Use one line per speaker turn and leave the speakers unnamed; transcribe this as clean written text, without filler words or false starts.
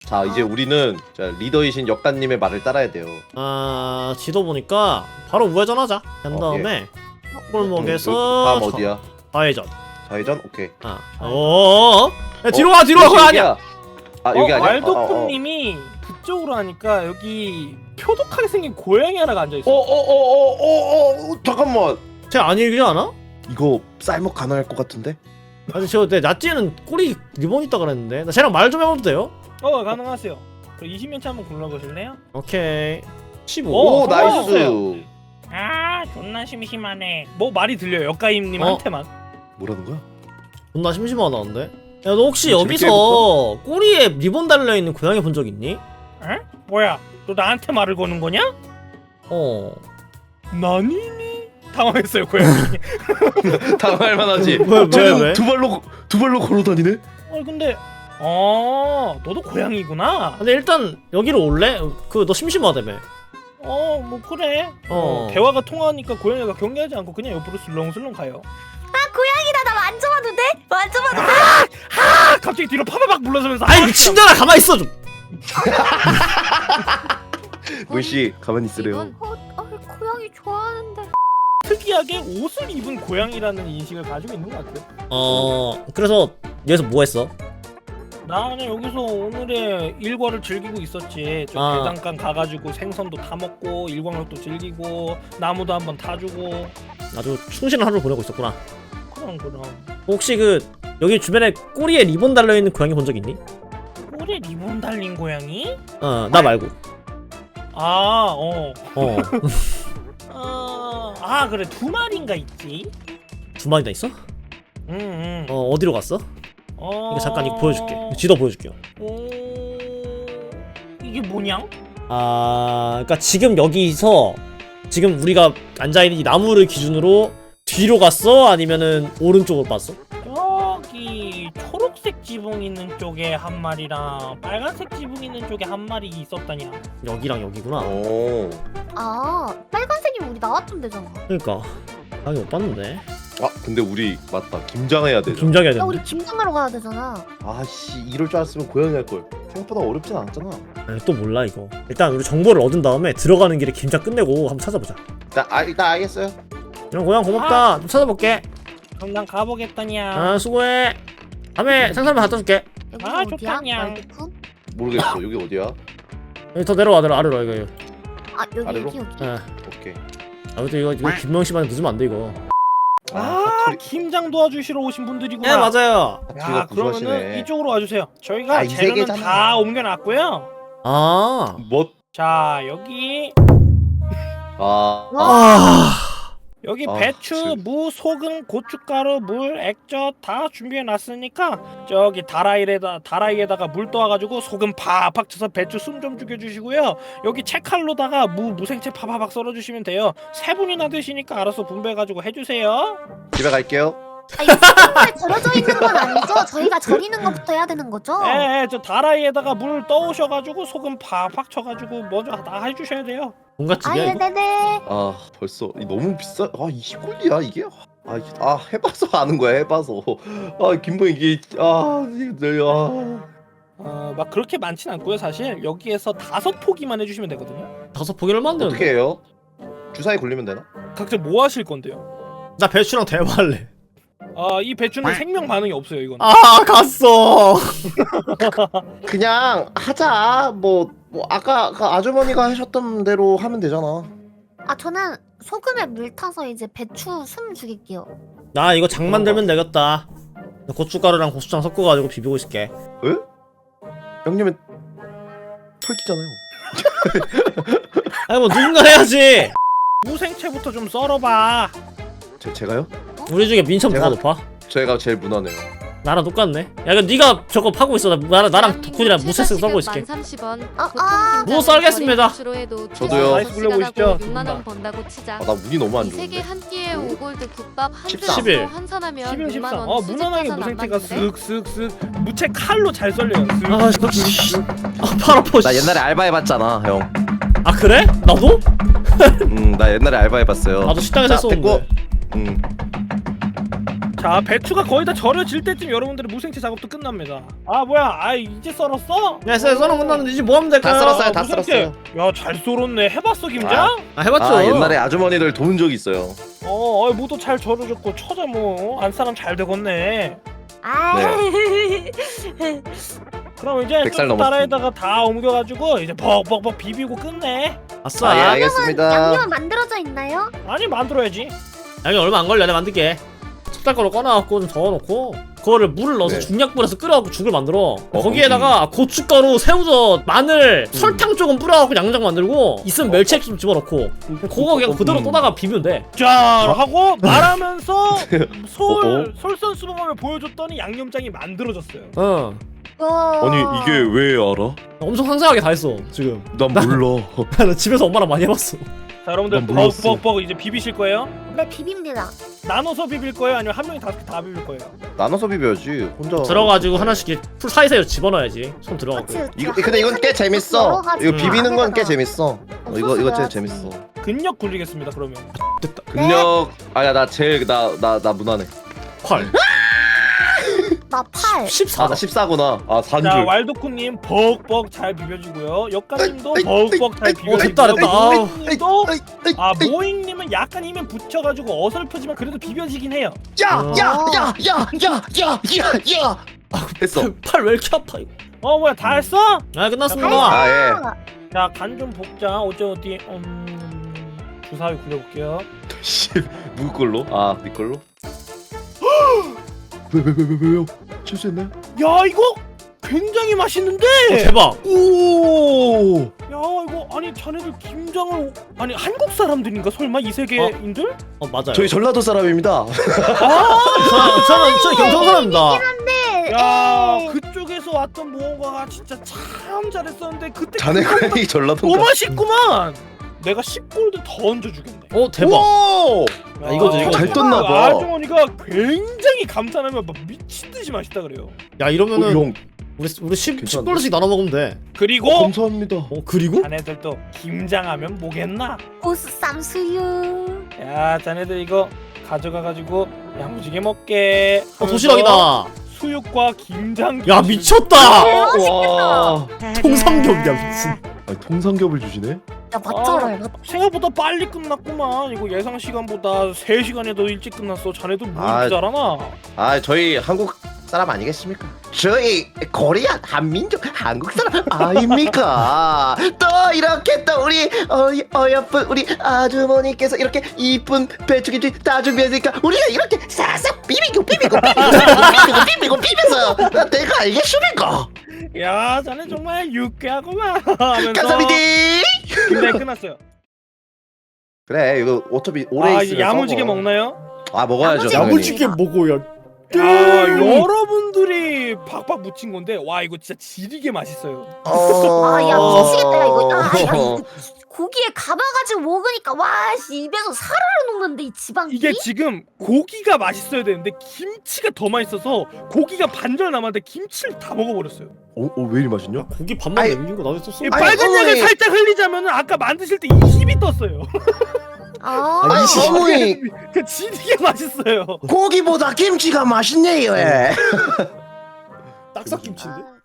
자 이제 우리는 자, 리더이신 역단님의 말을 따라야 돼요.
아 지도 보니까 바로 우회전하자. 한 다음에 골목에서
다음 어디야?
좌회전.
좌회전? 오케이.
야, 뒤로 가 뒤로 가. 그거 아니야.
아 여기 아니야?
왈도쿤님이 그쪽으로 하니까 여기 표독하게 생긴 고양이 하나가 앉아있어.
잠깐만.
쟤 아니지 않아?
이거 쌀먹 가능할 것 같은데?
아니 내 나찌는 꼬리 리본 있다 그랬는데 나 쟤랑 말 좀 해봐도 돼요?
가능하세요. 그럼 20년차 한번 굴러보실래요?
오케이 15.
오 나이스.
성공했어요. 아 존나 심심하네. 뭐 말이 들려요 역가임님한테만.
뭐라는 거야?
존나 심심하다는데? 야 너 혹시
재밌게
여기서 꼬리에 리본 달려있는 고양이 본 적 있니?
에? 뭐야? 너 나한테 말을 거는 거냐? 나니니? 당황했어요 고양이.
당할 만하지.
왜?
두 발로 걸어 다니네?
근데 너도 고양이구나.
근데 일단 여기로 올래? 그 너 심심하다며.
뭐 그래. 대화가 통하니까 고양이가 경계하지 않고 그냥 옆으로 슬렁슬렁 가요.
고양이다. 나 만져봐도 돼? 만져봐도 돼?
갑자기 뒤로 파바박 물러서면서
아이 미친년아 가만히 있어 좀.
물씨 가만히 있으래요.
고양이 좋아하는데.
특이하게 옷을 입은 고양이라는 인식을 가지고 있는 것 같아요.
그래서 여기서 뭐 했어?
나는 여기서 오늘의 일과를 즐기고 있었지. 저 대장간 가가지고 생선도 다 먹고 일광욕도 즐기고 나무도 한번 타주고.
아주 충실한 하루를 보내고 있었구나.
그럼
혹시 그 여기 주변에 꼬리에 리본 달려있는 고양이 본 적 있니?
꼬리에 리본 달린 고양이?
나 말고.
그래 2마리인가 있지.
2마리나 있어? 어디로 갔어? 이거 잠깐 이거 보여줄게. 지도 보여줄게요.
이게 뭐냐?
그러니까 지금 여기서 지금 우리가 앉아있는 이 나무를 기준으로 뒤로 갔어? 아니면은 오른쪽으로 봤어?
저기 초록색 지붕 있는 쪽에 한 마리랑 빨간색 지붕 있는 쪽에 한 마리 있었다냐.
여기랑 여기구나.
빨간색이 우리 나왔던 데잖아.
그러니까 못 봤는데.
근데 우리 맞다 김장해야 되잖아.
김장해야
야,
되는데.
우리 김장하러 가야 되잖아.
아씨 이럴 줄 알았으면 고양이 할걸. 생각보다 어렵진 않았잖아.
또 몰라 이거. 일단 우리 정보를 얻은 다음에 들어가는 길에 김장 끝내고 한번 찾아보자.
일단 알겠어요.
그럼 고양 고맙다. 좀 찾아볼게.
그럼 난 가보겠다냐.
수고해. 다음에 상사만 갖다 줄게.
여기가 어디야?
좋다냐.
왈도쿤?
모르겠어. 여기 어디야?
여기 더 내려와 아래로 이거.
여기
아래로?
여기.
오케이.
아무튼 이거 김명 씨만 늦으면 안 돼 이거.
김장 도와주시러 오신 분들이구나.
네 맞아요.
야, 그러면은
구수하시네.
이쪽으로 와주세요. 저희가
이
재료는
세계잖아.
다 옮겨놨고요.
뭐?
자, 여기 여기 배추,
지금.
무, 소금, 고춧가루, 물, 액젓 다 준비해놨으니까 저기 다라이에다가 물 떠와가지고 소금 팍팍 쳐서 배추 숨 좀 죽여주시고요. 여기 채칼로다가 무생채 파바박 썰어주시면 돼요. 3분이나 드시니까 알아서 분배해가지고 해주세요.
집에 갈게요.
이거 소금에 절여져 있는 건 아니죠? 저희가 절이는 것부터 해야 되는 거죠?
저 다라이에다가 물 떠오셔가지고 소금 팍팍 쳐가지고 먼저 다 해주셔야 돼요.
뭔가 집이야 이거?
네네.
벌써 너무 비싸. 20골이야 이게? 해봐서 아는 거야. 해봐서. 김보 이게
막 그렇게 많진 않고요. 사실 여기에서 5포기만 해주시면 되거든요.
5포기 얼마인데?
어떻게 해요? 주사위 굴리면 되나?
각자 뭐 하실 건데요?
나 배추랑 대화할래.
이 배추는 생명 반응이 없어요. 이건.
갔어.
그냥 하자. 뭐 아까 그 아주머니가 하셨던 대로 하면 되잖아.
저는 소금에 물 타서 이제 배추 숨 죽일게요.
나 이거 장 만들면 되겠다. 고춧가루랑 고추장 섞어가지고 비비고 있을게.
에? 양념에 털기잖아요.
아니 뭐 누군가 해야지.
무생채부터 좀 썰어봐.
제가요?
우리 중에 민첩 누가 높아?
제가 제일 무난해요.
나랑 똑같네. 야 이거 네가 저거 파고 있어. 나랑 덕훈이랑 무세스 썰고 있을게.
30원.
뭐 썰겠습니다.
저도요.
나이스 굴려보시죠.
6만 원 번다고 치자.
나 운이 너무 안 좋은데.
세개 한 끼에 5골드 국밥 한
11.
한 산하면
11,
6만
13.
원.
무난하게 무생채가 쓱쓱쓱 무채 칼로 잘 썰려요.
팔 아파.
나 옛날에 알바해봤잖아, 형.
그래? 나도?
나 옛날에 알바해봤어요.
나도 식당에서
자,
했었는데.
됐고.
자, 배추가 거의 다 절여질 때쯤 여러분들의 무생채 작업도 끝납니다. 아 뭐야, 아 이제 썰었어?
야 썰어 끝났는데 이제 뭐 하면 될까요?
다 썰었어요. 다
무생채.
썰었어요.
야, 잘 썰었네. 해봤어, 김장?
아 해봤죠.
아 옛날에 아주머니들 도운 적 있어요.
모두 잘 절여졌고 처자 뭐 안 사람 잘 되겠네.
아.
그럼 이제
100살
좀
넘었습니다.
따라에다가 다 옮겨가지고 이제 벅벅벅 비비고 끝내.
아싸.
아, 예,
양념
알겠습니다.
양념은 만들어져 있나요?
아니 만들어야지.
얼마 안 걸려. 내가 만들게. 찹쌀가루 꺼놔갖고 좀 저어놓고 그거를 물을 넣어서
네.
중약 불에서 끓여갖고 죽을 만들어. 거기에다가 고춧가루, 새우젓, 마늘, 설탕 조금 뿌려갖고 양장 만들고 있으면 멸치액 좀 집어넣고 그거 그냥 그대로 떠다가 비비면 돼.
자 하고 말하면서 솔선수범을 보여줬더니 양념장이 만들어졌어요.
어.
와.
왜 알아?
엄청 상세하게 다 했어 지금.
난 몰라.
나 집에서 엄마랑 많이 해봤어.
자 여러분들
난 몰랐어.
벅벅벅 이제 비비실 거예요?
네, 비빕니다.
나눠서 비빌 거예요? 아니면 한 명이 5개 다 비빌 거예요?
나눠서 비벼야지. 혼자.
들어가지고 하나씩 이렇게 풀 사이사이로 집어넣어야지. 손 들어가고.
그치, 그치.
이거 근데 이건 꽤 재밌어.
여러 가지
이거 비비는 건 꽤
안에다가.
재밌어. 이거 제일
소스가
재밌어.
근력 굴리겠습니다 그러면.
근력 아야 나 제일 나 무난해.
8.
나 8.
14.
나 14구나. 아 4인
자
줄.
왈도쿠님 벅벅 잘 비벼주고요. 역가님도
에이, 에이,
벅벅 잘
에이,
비벼주고요.
됐다. 아우.
모잉님도 모잉님은 약간 힘은 붙여가지고 어설프지만 그래도 비벼지긴 해요.
야야야야야야야야 됐어.
팔 왜 이렇게 아파 이거.
뭐야 다 했어?
아 끝났습니다.
아 예.
자 간 좀 볶자. 어디 주사위 굴려볼게요.
씨 누구 걸로? 아네 걸로? 왜요? 실수했나요?
야 이거 굉장히 맛있는데.
대박.
오.
야 이거 아니 자네들 김장을 아니 한국 사람들인가 설마 이 세계인들?
맞아요.
저희 전라도 사람입니다.
저는 경상 사람입니다.
네.
야 그쪽에서 왔던 무언가가 진짜 참 잘했었는데 그때
자네가 이 전라도.
너무 맛있구만. 내가 10골드 더 얹어주겠네.
대박.
오!
야, 이거지.
잘 떴나 봐.
아주머니가 굉장히 감탄하면 막 미친듯이 맛있다 그래요.
야 이러면은
형
우리 10
괜찮은데?
10불씩 나눠 먹으면 돼.
그리고
감사합니다.
그리고?
자네들도 김장하면 뭐겠나?
보쌈 수유.
야 자네들 이거 가져가가지고 야무지게 먹게.
도시락이다.
수육과 김장.
야 미쳤다.
와.
통삼겹이야 미친.
아니, 통삼겹을 주시네?
야, 맞잖아. 맞.
생각보다 빨리 끝났구만. 이거 예상 시간보다 3시간이 더 일찍 끝났어. 자네들 뭐
아,
이렇게 잘하나?
아 저희 한국 사람 아니겠습니까? 저희 코리안 한민족 한국 사람 아닙니까? 또 이렇게 또 우리 어여쁜 우리 아주머니께서 이렇게 이쁜 배추김치 다 준비했으니까 우리가 이렇게 싹싹 비비고 비벼서 내가 알겠습니까?
야 자네 정말 유쾌하구만 하면서
감사합니다.
김장이 끝났어요.
그래 이거 어차피 오래
아
있으면
이제 야무지게
썩어.
먹나요?
아 먹어야죠.
야무지게
당연히.
먹어야.
야 여러분들이 박박 묻힌 건데 와 이거 진짜 지리게 맛있어요.
아, 야, 미치겠다, 야, 이거. 야,
어.
이거 고기에 감아가지고 먹으니까, 와, 씨, 입에서 사르르 녹는데, 이 지방이.
이게 지금 고기가 맛있어야 되는데 김치가 더 맛있어서 고기가 반절 남았는데 김치를 다 먹어버렸어요.
왜 이리 맛있냐?
고기 반만
아이.
남긴 거 나도 썼어.
이
아이,
빨간 약을
어머니.
살짝 흘리자면은 아까 만드실 때 20이 떴어요.
아,
아니 어머니
그 지리게 맛있어요.
고기보다 김치가 맛있네요.
딱삭김치인데?